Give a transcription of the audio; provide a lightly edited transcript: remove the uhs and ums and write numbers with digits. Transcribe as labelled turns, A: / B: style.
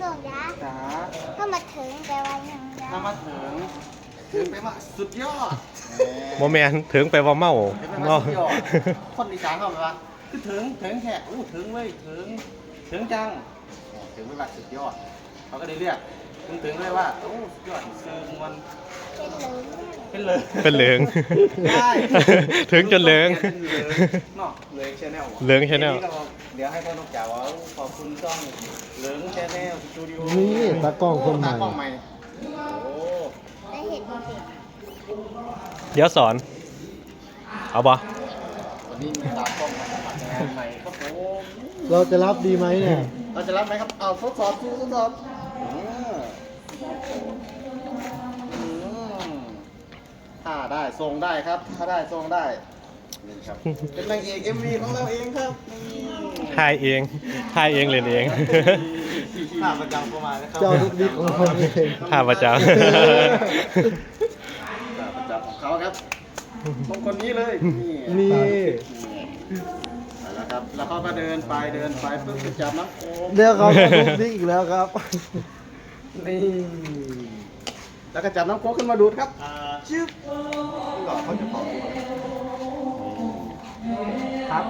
A: ส่งยา
B: จ๋า
A: ถ้ามาถึงแปลว่ายังยา
B: ถ้ามาถึงไปว่าสุดยอด
C: โมแมนถึงไปว่าเมา
B: ถึงไป
C: เมา
B: ว่าสุดยอดคนอีสานเขาแบบว่าคือถึงแค่อู้ถึงเว้ยถึงจังถึงไปว่าสุดยอดเขาก็ได้เรียกถึงเลยว่าโอ้สุดยอดซื้อมัน
A: เป็นเลย
B: เป็นเลย
C: เป็นเหลือง
B: ได้
C: ถึงจนเหลือง
B: เนาะเหลืองชาแนล
C: เหลือง Channel
B: เดี๋ยวให้พ่อนกจ๋าว่าขอบคุณช่องเหลืองชาแนลสตูดิโอ
D: นี่ตากล้องคนใหม่
B: ตากล้องใหม่โอ้
A: ได้เห็นสิ
C: เดี๋ยวสอน เอาบ่
B: วันนี้มีตากล้องมาสมัครงานใหม่ครับผม
D: เราจะรับดีไหมเนี่ย
B: เราจะรับไหมครับเอาทดสอบทดสอบถ้าได้ทรงได้ครับ ถ้าได้ทรงได้นี่ครับเป็นนางเอก MV ของเราเองครับนี่
C: ทายเองทายเองเล่นเอง
B: ภาพประจำเข้ามานะครับ
D: เจ้าทุกดิกของเราเอง
C: ท่าประจ
B: ภาพประจำของเขาครับตรงคนนี้เลย
D: นี่
B: ไปแล้วครับ แล้วเขาก็เดินไปเพิ่งจะจับน้ำโค้ง
D: เดี๋ยวเขาจะทุกดิกอีกแล้วครับ
B: นี่แล้วก็จับน้ำโค้งขึ้นมาดูดครับชึบก่อนเขาจะเป่า